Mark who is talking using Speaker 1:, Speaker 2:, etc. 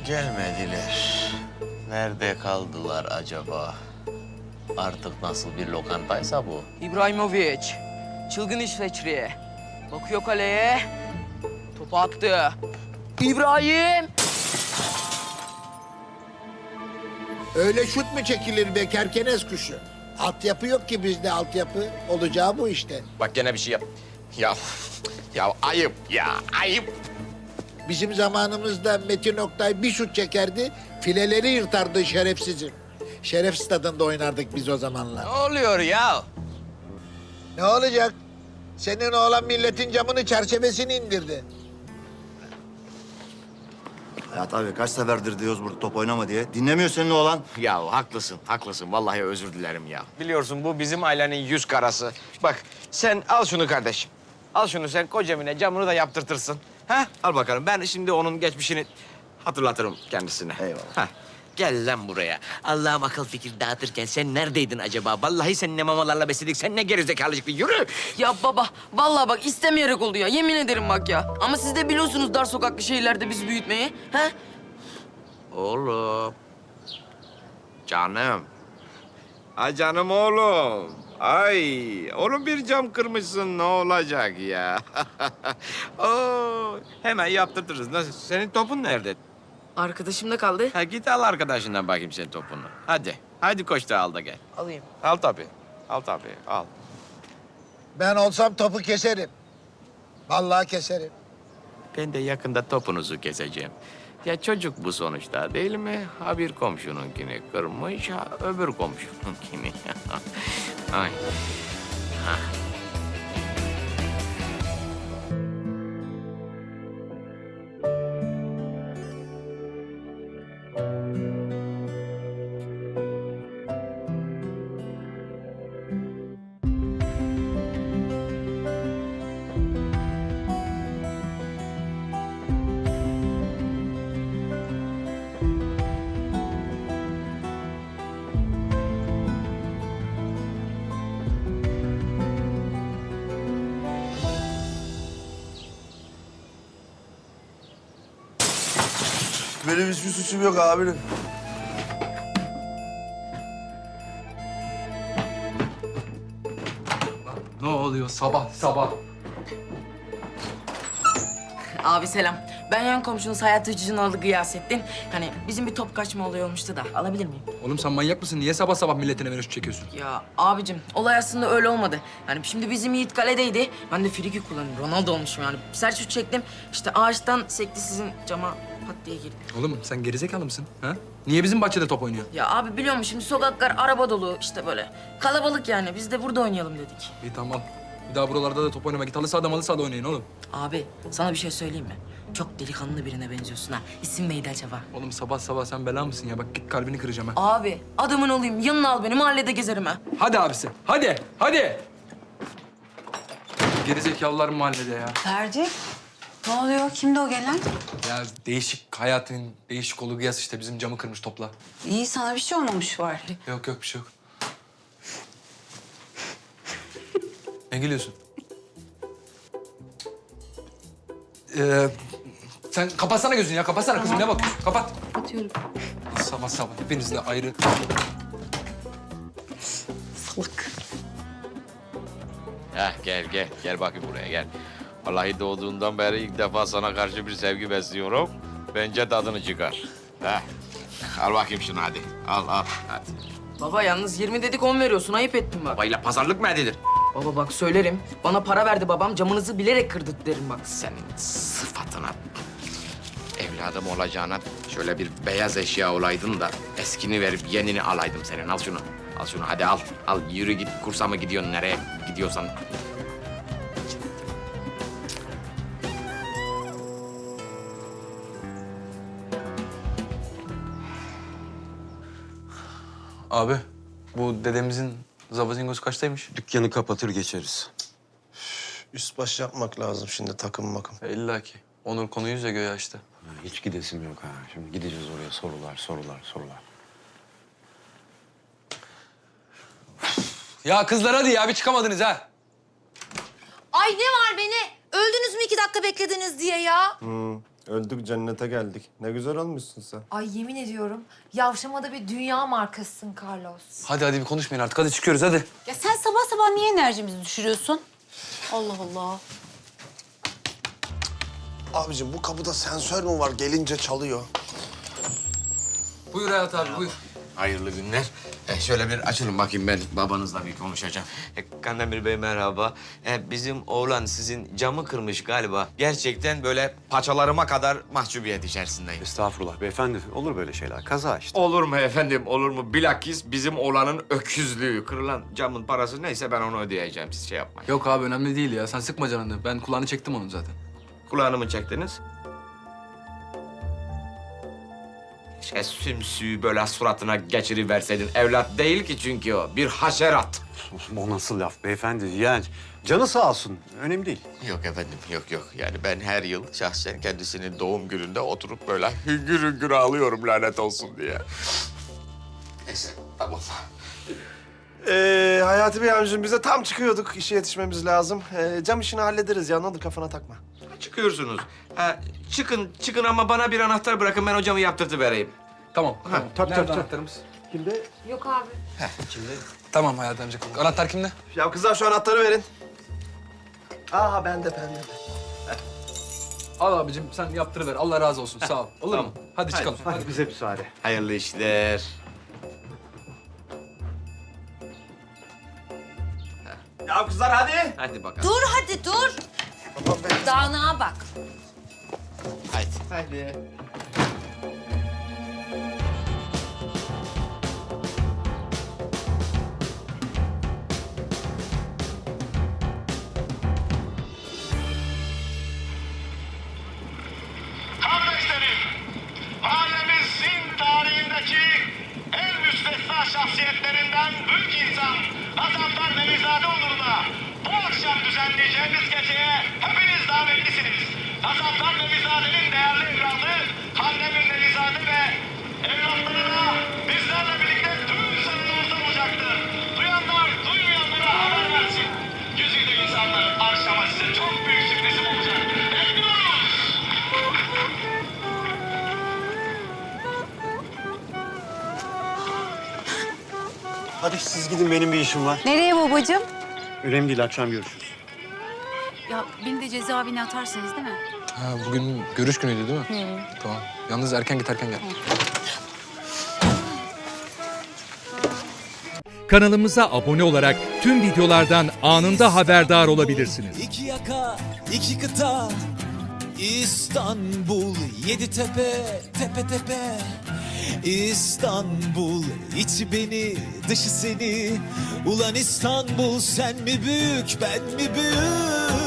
Speaker 1: Gelmediler. Nerede kaldılar acaba? Artık nasıl bir lokantaysa bu.
Speaker 2: İbrahimovic, çılgın İsveçli. Bakıyor kaleye, topu attı. İbrahim!
Speaker 3: Öyle şut mu çekilir be kerkenes kuşu? Altyapı yok ki bizde altyapı. Olacağı bu işte.
Speaker 1: Bak gene bir şey yap. Ya ayıp ya, ayıp.
Speaker 3: Bizim zamanımızda Metin Oktay bir şut çekerdi, fileleri yırtardı şerefsizim. Şeref stadında oynardık biz o zamanlar.
Speaker 1: Ne oluyor ya?
Speaker 3: Ne olacak? Senin oğlan milletin camını, çerçevesini indirdi.
Speaker 4: Hayat abi kaç seferdir diyoruz burada top oynama diye. Dinlemiyor senin oğlan.
Speaker 1: Ya haklısın, haklısın. Vallahi özür dilerim ya. Biliyorsun bu bizim ailenin yüz karası. Bak sen al şunu kardeşim. Al şunu sen kocamine camını da yaptırtırsın. Ha? Al bakalım. Ben şimdi onun geçmişini hatırlatırım kendisine.
Speaker 4: Eyvallah.
Speaker 1: Ha. Gel lan buraya. Allah'ım akıl fikir dağıtırken sen neredeydin acaba? Vallahi sen ne mamalarla besledik, sen ne gerizekalıcık. Yürü!
Speaker 2: Ya baba, vallahi bak istemeyerek oldu ya. Yemin ederim bak ya. Ama siz de biliyorsunuz dar sokaklı şehirlerde bizi büyütmeyi. He?
Speaker 1: Oğlum. Canım. Ay canım oğlum. Ay, oğlum bir cam kırmışsın ne olacak ya? Oo, hemen yaptırtırız. Nasıl? Senin topun nerede?
Speaker 2: Arkadaşımda kaldı.
Speaker 1: Ha, git al arkadaşından bakayım sen topunu. Hadi. Hadi koş da al da gel.
Speaker 2: Alayım.
Speaker 1: Al tabii. Al tabii. Al.
Speaker 3: Ben olsam topu keserim. Vallahi keserim.
Speaker 1: Ben de yakında topunuzu keseceğim. Ya çocuk bu sonuçta değil mi? Ha bir komşununkini kırmış, ha öbür komşununkini. Ay. Ha.
Speaker 5: Benim hiçbir suçum yok amirim.
Speaker 6: Ne oluyor sabah sabah?
Speaker 2: Abi selam. Ben yan komşunuz Hayat Hıcı'nın oğlu Gıyasettin. Hani bizim bir top kaçma olayı olmuştu da. Alabilir miyim?
Speaker 6: Oğlum sen manyak mısın? Niye sabah sabah milletin evine şut çekiyorsun?
Speaker 2: Ya abicim olay aslında öyle olmadı. Yani şimdi bizim Yiğit kaledeydi. Ben de friki kullanıyorum. Ronaldo olmuşum yani. Sert şut çektim. İşte ağaçtan sekti sizin cama pat diye girdi.
Speaker 6: Oğlum sen gerizekalı mısın? Ha? Niye bizim bahçede top oynuyor?
Speaker 2: Ya abi biliyor musun şimdi sokaklar araba dolu işte böyle. Kalabalık yani. Biz de burada oynayalım dedik.
Speaker 6: İyi tamam. Bir daha buralarda da top oynama. Git halı sahada malı sahada oynayın oğlum.
Speaker 2: Abi sana bir şey söyleyeyim mi? Çok delikanlı birine benziyorsun ha. İsim neydi acaba?
Speaker 6: Oğlum sabah sabah sen bela mısın ya? Bak git kalbini kıracağım ha.
Speaker 2: Abi adamın olayım. Yanına al beni. Mahallede gezerim ha.
Speaker 6: Hadi abisi. Hadi. Hadi. Gerizekalılar mahallede ya.
Speaker 7: Ferdi, ne oluyor? Kimdi o gelen?
Speaker 6: Ya değişik hayatın değişik olu Gıyas işte bizim camı kırmış topla.
Speaker 7: İyi, sana bir şey olmamış var.
Speaker 6: Yok yok bir şey yok. Ne gülüyorsun? Sen kapatsana gözünü ya. Kapatsana kızım. Ne bakıyorsun? Kapat.
Speaker 7: Atıyorum.
Speaker 6: Sabah sabah hepinizle ayrı.
Speaker 7: Salak.
Speaker 1: Heh, gel bakayım buraya gel. Vallahi doğduğundan beri ilk defa sana karşı bir sevgi besliyorum. Bence tadını çıkar. Heh. Al bakayım şunu hadi. Al hadi.
Speaker 2: Baba yalnız 20 dedik 10 veriyorsun. Ayıp ettin bak.
Speaker 1: Babayla pazarlık mı edilir?
Speaker 2: Baba bak söylerim. Bana para verdi babam. Camınızı bilerek kırdı derim bak.
Speaker 1: Senin sıfatına, evladım olacağına şöyle bir beyaz eşya olaydın da eskini verip yenini alaydım senin. Al şunu. Al şunu hadi al. Al yürü git kursa mı gidiyorsun nereye gidiyorsan.
Speaker 6: Abi bu dedemizin zavazingosu kaçtaymış?
Speaker 5: Dükkanı kapatır geçeriz. Üst baş yapmak lazım şimdi takım makım.
Speaker 6: İlla ki. Onur konuyu yüze göğe açtı.
Speaker 8: Hiç gidesim yok ha. Şimdi gideceğiz oraya sorular.
Speaker 6: Ya kızlar hadi ya bir çıkamadınız ha.
Speaker 9: Ay ne var beni? Öldünüz mü 2 dakika beklediniz diye ya?
Speaker 5: Öldük cennete geldik. Ne güzel olmuşsun sen.
Speaker 9: Ay yemin ediyorum yavşamada bir dünya markasısın Carlos.
Speaker 6: Hadi bir konuşmayın artık. Hadi çıkıyoruz hadi.
Speaker 7: Ya sen sabah sabah niye enerjimizi düşürüyorsun? Allah Allah.
Speaker 5: Abicim bu kapıda sensör mü var? Gelince çalıyor.
Speaker 6: Buyur Hayat abi buyur.
Speaker 1: Hayırlı günler. Şöyle bir açılın bakayım, ben babanızla bir konuşacağım. Kandemir Bey merhaba. Bizim oğlan sizin camı kırmış galiba. Gerçekten böyle paçalarıma kadar mahcubiyet içerisindeyim.
Speaker 8: Estağfurullah beyefendi. Olur böyle şeyler. Kaza işte.
Speaker 1: Olur mu efendim, olur mu? Bilakis bizim oğlanın öküzlüğü. Kırılan camın parası neyse ben onu ödeyeceğim. Siz şey yapmayın.
Speaker 6: Yok abi önemli değil ya. Sen sıkma canını. Ben kulağını çektim onun zaten.
Speaker 1: Kulağını mı çektiniz? Keşke sümsüğü böyle suratına geçiriverseydin. Evlat değil ki çünkü o. Bir haşerat.
Speaker 8: O nasıl laf beyefendi? Yani canı sağ olsun. Önemli değil.
Speaker 1: Yok efendim, yok. Yani ben her yıl şahsen kendisinin doğum gününde oturup böyle hüngür hüngür ağlıyorum lanet olsun diye. Neyse, tamam.
Speaker 5: Hayati Bey amcim bize tam çıkıyorduk. İşe yetişmemiz lazım. Cam işini hallederiz ya. Ne olur kafana takma.
Speaker 1: Çıkıyorsunuz. Çıkın ama bana bir anahtar bırakın, ben hocamı yaptırtıvereyim.
Speaker 6: Tamam. tamam.
Speaker 5: tabii,
Speaker 6: Nerede
Speaker 5: tabii.
Speaker 6: anahtarımız?
Speaker 9: Yok abi.
Speaker 6: Tamam Hayat amca. Anahtar kimde?
Speaker 5: Ya kızlar şu anahtarı verin. Aha bende.
Speaker 6: Al abicim sen yaptırıver. Allah razı olsun. Sağ ol. Olur mu? Hadi çıkalım. Hadi.
Speaker 8: Bize müsaade.
Speaker 1: Hayırlı işler.
Speaker 5: Ya kızlar hadi.
Speaker 1: Hadi bakalım.
Speaker 7: Dur hadi dur. Dağınığa bak.
Speaker 1: Haydi.
Speaker 10: Kardeşlerim, mahallemizin tarihindeki en müstesna şahsiyetlerinden büyük insan Gazanfer Nevizade uğruna bu akşam düzenleyeceğimiz geceye hepiniz davetlisiniz. Gazanfer Nevizade'nin değerli evladı Kandemir Nevizade ve evlatlarına bizlerle birlikte tüm salonumuzda olacaktır. Duyanlar duymayanlara haber versin. Yüzüyle insanlar akşama size çok büyük sürprizim olacak. Bekliyoruz.
Speaker 8: Hadi siz gidin, benim bir işim var.
Speaker 7: Nereye babacığım?
Speaker 8: Önemli değil, akşam görüşürüz.
Speaker 7: Ya beni de cezaevine atarsınız değil mi?
Speaker 6: Ha, bugün görüş günüydü değil mi? Tamam. Yalnız erken git erken gel.
Speaker 11: Kanalımıza abone olarak tüm videolardan anında haberdar olabilirsiniz.
Speaker 12: İki yaka, iki kıta, İstanbul, yedi tepe, tepe tepe. İstanbul, içi beni, dışı seni. Ulan İstanbul, sen mi büyük, ben mi büyük?